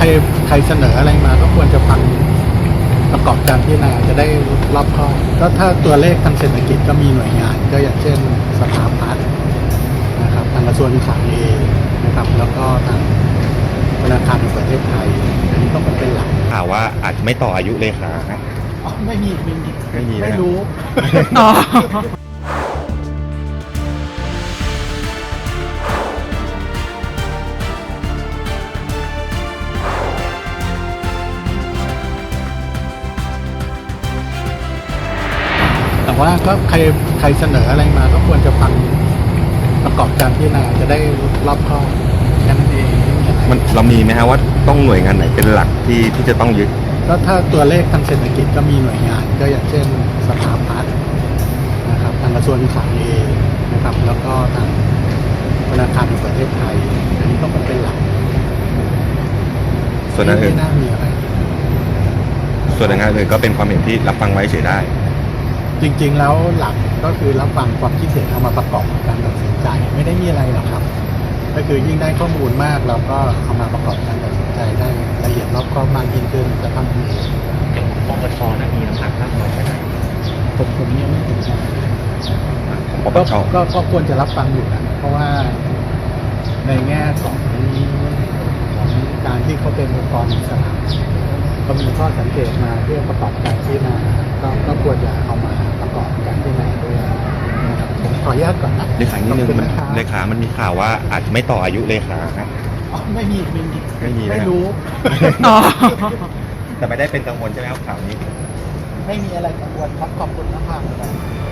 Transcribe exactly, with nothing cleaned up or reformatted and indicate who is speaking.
Speaker 1: ใครเสนออะไรมาก็ควรจะฟังประกอบการพิจารณาจะได้รอบคอบก็ถ้าตัวเลขทางเศรษฐกิจก็มีหน่วยงานก็อย่างเช่นสภาพัฒน์นะครับทางกระทรวงการคลังเองนะครับแล้วก็ทางธนาคารแห่งประเทศไทยอันนี้ต้องเป็นหลัก
Speaker 2: ข่าวว่าอาจจะไม่ต่ออายุเลขานะ
Speaker 1: อ๋อไม่มีไม่มี
Speaker 2: ไม่มีนะ
Speaker 1: ไม่รู้
Speaker 3: อ๋อ
Speaker 1: แต่ว่าก็ใครใครเสนออะไรมาก็ควรจะฟังประกอบการพิจารณาจะได้รอบคอบแค่นั้นเองไม่มีอะไร
Speaker 2: มันเรามีไหมฮะว่าต้องหน่วยงานไหนเป็นหลักที่ที่จะต้องยึด
Speaker 1: ก็ถ้าตัวเลขทางเศรษฐกิจก็มีหน่วยงานก็อย่างเช่นสภาพัฒน์นะครับทางกระทรวงการคลังเองนะครับแล้วก็ทางธนาคารแห่งประเทศไทยอันนี้ต้องเป็นหลัก
Speaker 2: ส่วนนั้น
Speaker 1: ไม่
Speaker 2: อื่น
Speaker 1: น่ามีอะไร
Speaker 2: ส่วนงานอื่นก็เป็นความเห็นที่รับฟังไว้เฉยได้
Speaker 1: จริงๆแล้วหลักก็คือรับฟังความคิดเห็นเอามาประกอบการตัดสินใจไม่ได้มีอะไรหรอกครับ ก็คือยิ่งได้ข้อมูลมากเราก็เอามาประกอบการตัดสินใจได้ละเอียดรอบคอบมากยิ่งขึ้นจะทำให้
Speaker 4: ปปชนะมีน้ำหนักมากน้อยแค่ไหน
Speaker 1: ผมผมยังไม่ถึงนะ
Speaker 2: ปป
Speaker 1: ก็
Speaker 2: ช
Speaker 1: ก็ก็ควรจะรับฟังอยู่นะเพราะว่าในแง่ของของการที่เขาเป็นองค์กรอิสระก็มีข้อสังเกตมาเพื่อประกอบการที่นาก็ก็ควรจะเอามาประกอบการที่นาด้วยนะครับผมขออนุญาตก่อนนะ
Speaker 2: เลขานิดนึง
Speaker 1: ขอบคุณ
Speaker 2: มัน
Speaker 1: นะครับ
Speaker 2: เลขามันมีข่าวว่าอาจจะไม่ต่ออายุเลขานะ
Speaker 1: อ๋อไม่มีไม่มี
Speaker 2: ไม่มีนะ
Speaker 1: ไม่รู้
Speaker 3: อ๋อ
Speaker 2: แต่ไม่ได้เป็นกังวลใช่ไหมครับข่าวนี้
Speaker 1: ไม่มีอะไรกังวลครับขอบคุณมากๆเลย